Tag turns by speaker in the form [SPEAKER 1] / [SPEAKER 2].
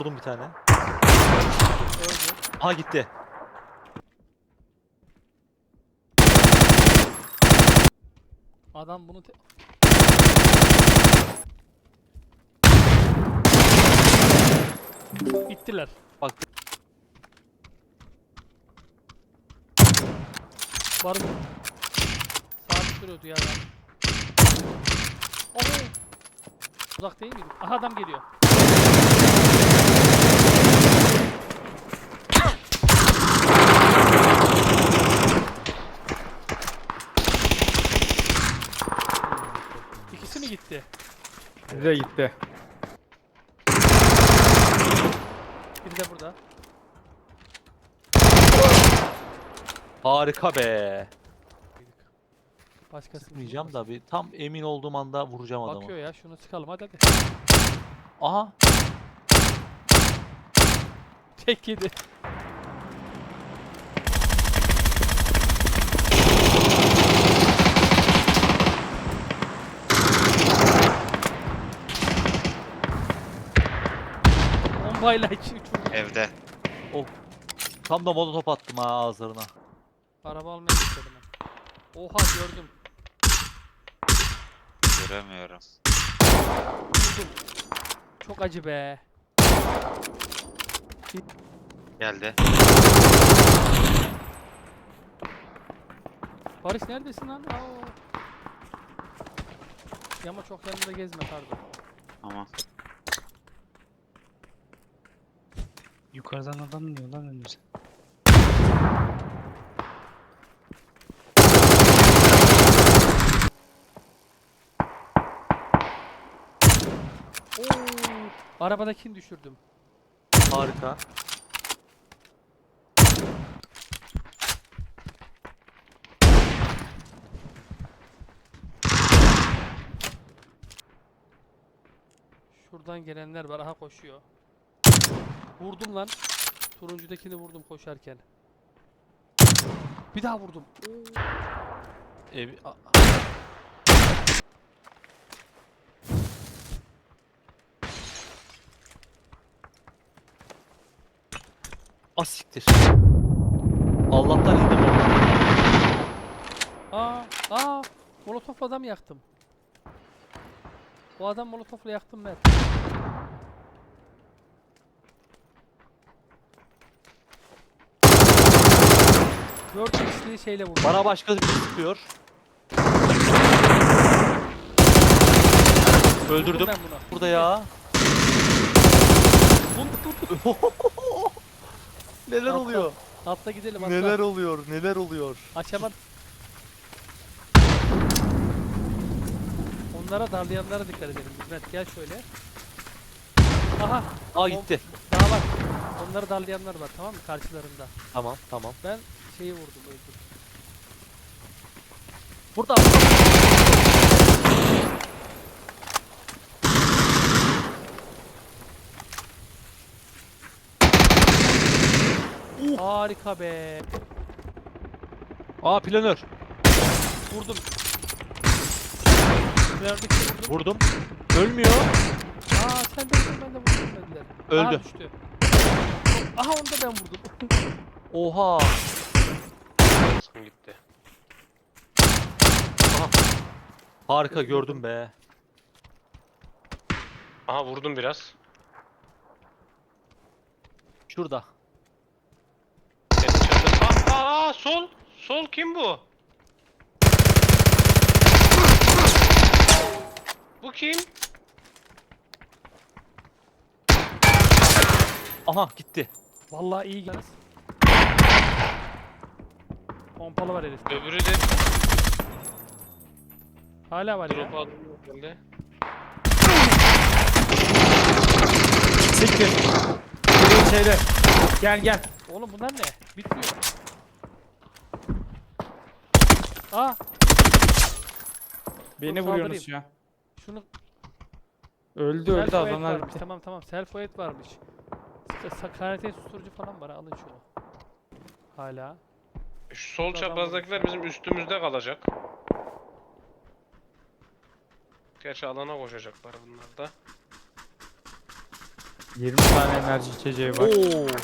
[SPEAKER 1] Buldum bir tane.
[SPEAKER 2] Öldü.
[SPEAKER 1] Aha gitti.
[SPEAKER 2] Adam bunu bittiler.
[SPEAKER 1] Bak
[SPEAKER 2] Var mı? Sabit duruyordu ya adam. Oho! Uzak değil miydik? Aha adam geliyor. İkisi mi gitti?
[SPEAKER 3] Bize gitti.
[SPEAKER 2] Biri de burada.
[SPEAKER 1] harika be.
[SPEAKER 2] Başkası
[SPEAKER 1] Sıkmayacağım da bir tam emin olduğum anda vuracağım adamı.
[SPEAKER 2] bakıyor ya, şunu sıkalım hadi hadi.
[SPEAKER 1] Aha.
[SPEAKER 2] Tek yedi. Bombayla iki uçurdu.
[SPEAKER 4] Evde.
[SPEAKER 1] Oh. Tam da molotof attım ha ağızlarına.
[SPEAKER 2] Araba almaya istedim ben. Oha gördüm.
[SPEAKER 4] Göremiyorum.
[SPEAKER 2] Vurdum. Çok acı be.
[SPEAKER 4] Geldi.
[SPEAKER 2] Barış neredesin lan? Aa. Ama çok yanında gezme pardon.
[SPEAKER 4] Ama
[SPEAKER 5] Yukarıdan adam iniyor lan önümüze.
[SPEAKER 2] Oo. Arabadakini düşürdüm.
[SPEAKER 1] Harika.
[SPEAKER 2] Şuradan gelenler var. Aha koşuyor. Vurdum lan. Turuncudakini vurdum koşarken. Bir daha vurdum. Oo.
[SPEAKER 1] Ev... Asiktir. Allah'tan indim oradan.
[SPEAKER 2] Aa, molotofla adam yaktım. O adam molotofla yaktım ben. Dört x'li şeyle vurdum.
[SPEAKER 1] Bana başka bir sıkıyor. Öldürdüm.
[SPEAKER 2] Vurdum ben bunu.
[SPEAKER 1] Burada ya. Neler
[SPEAKER 2] Atla.
[SPEAKER 1] oluyor?
[SPEAKER 2] Atla gidelim atla.
[SPEAKER 1] Neler oluyor? Neler oluyor?
[SPEAKER 2] Açamadım. Onlara darlayanlara dikkat edelim. Hizmet gel şöyle. Aha.
[SPEAKER 1] Aa gitti.
[SPEAKER 2] Daha var. Onları darlayanlar var tamam mı? Karşılarında.
[SPEAKER 1] Tamam tamam.
[SPEAKER 2] Ben şeyi vurdum öldüm.
[SPEAKER 1] Burada.
[SPEAKER 2] Harika be.
[SPEAKER 1] Aa planör.
[SPEAKER 2] Vurdum. Verdik vurdum.
[SPEAKER 1] Vurdum. Ölmüyor.
[SPEAKER 2] Aa sen de vurdun ben de vurdum dediler.
[SPEAKER 1] Öldü.
[SPEAKER 2] Aha düştü. Aha onu da ben vurdum.
[SPEAKER 1] Oha.
[SPEAKER 6] Son gitti.
[SPEAKER 1] Aha. Harika gördüm be.
[SPEAKER 6] Aha vurdum biraz.
[SPEAKER 1] Şurada.
[SPEAKER 6] Evet, çadır. Aa, sol. Sol kim bu? Bu kim?
[SPEAKER 1] Aha gitti.
[SPEAKER 2] Vallahi iyi gidiyoruz. Pompalı var herif.
[SPEAKER 6] Öbürü de
[SPEAKER 2] Hala var
[SPEAKER 6] drop
[SPEAKER 2] ya.
[SPEAKER 6] aldım herhalde.
[SPEAKER 3] Siktir. Şeyde. Gel gel.
[SPEAKER 2] Oğlum bunlar ne? Bitmiyor. Aa
[SPEAKER 3] Beni
[SPEAKER 2] Dur,
[SPEAKER 3] vuruyorsunuz
[SPEAKER 2] saldırayım.
[SPEAKER 3] şu an.
[SPEAKER 2] şunu
[SPEAKER 3] Öldü öldü
[SPEAKER 2] self-oed
[SPEAKER 3] adamlar
[SPEAKER 2] varmış.
[SPEAKER 3] bitti.
[SPEAKER 2] Tamam self-oed varmış. Karate susturucu falan var alın şunu. Hala.
[SPEAKER 6] Şu sol
[SPEAKER 2] Adam
[SPEAKER 6] çaprazdakiler bizim üstümüzde kalacak. Gerçi alana koşacaklar bunlar da.
[SPEAKER 3] 20 tane enerji içeceği var.
[SPEAKER 1] Oo.